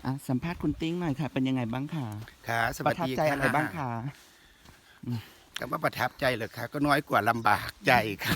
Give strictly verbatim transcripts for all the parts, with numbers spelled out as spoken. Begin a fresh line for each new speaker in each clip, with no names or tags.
อ่ะสัมภาษณ์คุณติ้งหน่อยค่ะ เป็นยังไงบ้างคะ
ค่ะส
ป
วัส
ระทับ
ดี
ใจอะไรบ้างคะ
คำว่าประทับใจเหรอคะก็น้อยกว่าลำบากใจค่ะ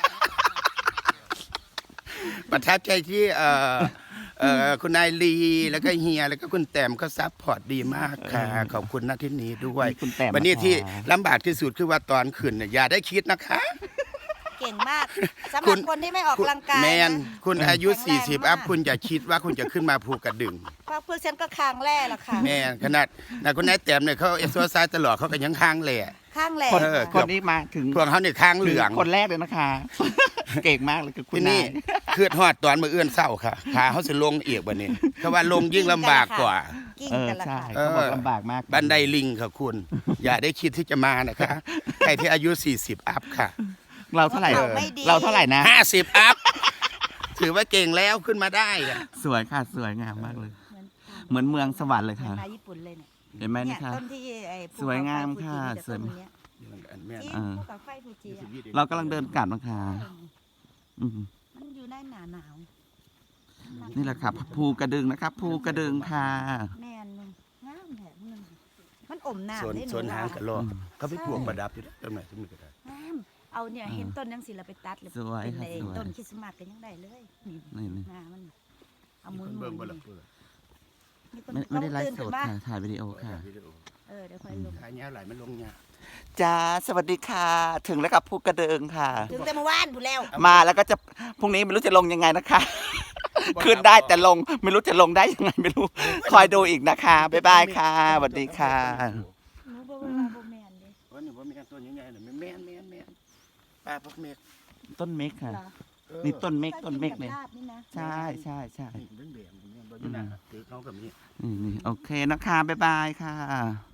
ประทับใจที่เอ่อเอ่อคุณนายลีแล้วก็เฮียแล้วก็คุณแต้มเขาซัพพอร์ตดีมากค่ะ ขอบคุณณที่นี้ด้วย
มีคุณแต้ม
วันนี้
นะคะ
ที่ลำบากที่สุดคือว่าตอนขึ้นเนี่ยอย่าได้คิดนะคะ
เก่งมากสำห
คุ
รับ
ณ
คนที่ไม่ออกกำลังกาย
แมน
นะ
คุณอายุ
แข็งแรง
สี่สิบ
มาก
อัพคุณอย่าคิดว่าคุณจะขึ้นมาภูกระดึง
เพราะพวกฉันก็ค้างแร่ละค่ะ
แม่นขนาดนะคุณนายแต้มเนี่ยเขาเอ็กซ์โซไซส์ตลอดเขาก็ยังค้างแหล่
ข้างแหล่
คน
เออ
คนนี้มาถึง
พวกเขาเนี่ยค้างเหลือง
คนแรกเลยนะคะ เก่งมากเลยคือคุณ
ที่
นา
นี่
ย
คือทอดตอนมือเอื้อนเศร้าค่ะขาเขาสิลงเอียกบันนี้เพราะว่าลงยิ่งลำบากกว่า
กิ้ง
เออ
กันละ
ใช่
ค่ะ
เขาบอกลำบากมาก
บันไดลิงค่ะคุณ อย่าได้คิดที่จะมานะคะใครที่อายุ สี่สิบ อัพค่ะ
เราเท่าไหร่
เราไม่ดี
เราเท่าไหร่นะ
ห้าสิบ อัพ ถือว่าเก่งแล้วขึ้นมาได้อะ
สวยค่ะสวยงามมากเลย
เหมือน
เหมือนเมืองสวรรค์เลย
เหมือน
ค่ะ
มาญี่ปุ่นเลยเนี่ย
เห็นไหม
เนี่
นะ
ย
คะ
ต้นที่ไอ้ภู
สวยงาม
เขไฟ
ค่ะ
ฟูจิมีแต่ต้น
สวย
เนี้ย
แม่น
จริง
เออ
ภูเขาไฟฟูจิอะ
เรากำลังเดินกลับนะคะอืม
มันอยู่ในหนาหนาว
นี่แหละค่ะภูกระดึงนะครับภูกระดึงค่ะ
แม่นงามแถมนึงมันอมน้ำ
ส่วน
ได้หนู
ส่วนหางกระโหลก
อืม
เขาไปพวงประดับอยู่ต้นไหนต้นไหนก็ได้
งามเอาเนี่ยเห็นต้นยังสิเราไปตัดเลย
สวย
เป็น
ค่ะ
ไอ้
สวย
ต้นคริสต์มาสกันยังได้เลยนี่
นี่นี่
งามันเอาหมุน
คน
หมุ
เบิ่ง
น
บ่ละเปิด
มีคน
ไม่ไม่ได้ไล
ตื่น
ฟ์ส
ขึ้
ด
นมา
ค่ะถ่ายวิดีโอค่ะ
เออเดี๋ยวค่อยลง
ขายเนี้ยไหลมันลงเนี่ย
จ้าสวัสดีค่ะ ถึงแล้วกับภูกระดึงค่ะ
ถึงแต่เมื่อวานพูดแล้ว
มาแล้วก็จะพรุ่งนี้ไม่รู้จะลงยังไงนะคะ ขึ้นได้แต่ลงไม่รู้จะลงได้ยังไงไม่รู้ คอยดูอีกนะคะบ๊ายบายค่ะสวัสดีค่ะ
หนูบอกว่าบ่แม่นเด้
วันนี้ว่ามีการตัวใหญ่ๆหน่อยแม่นแม่นแม่นปลาพวกเมฆ
ต้นเมฆค่ะ
เหรอ
เออ
นี่ต้นเมฆต้นเมฆเลย
ถ้ากินกับลาบนี่นะ
ใช่ใช่ใช่
นี่เรื่องเดียวมันเนี่ยบ่อยู่หน้าถือเขากับนี้
นี่นี่โอเคนะคะบ๊ายบายค่ะ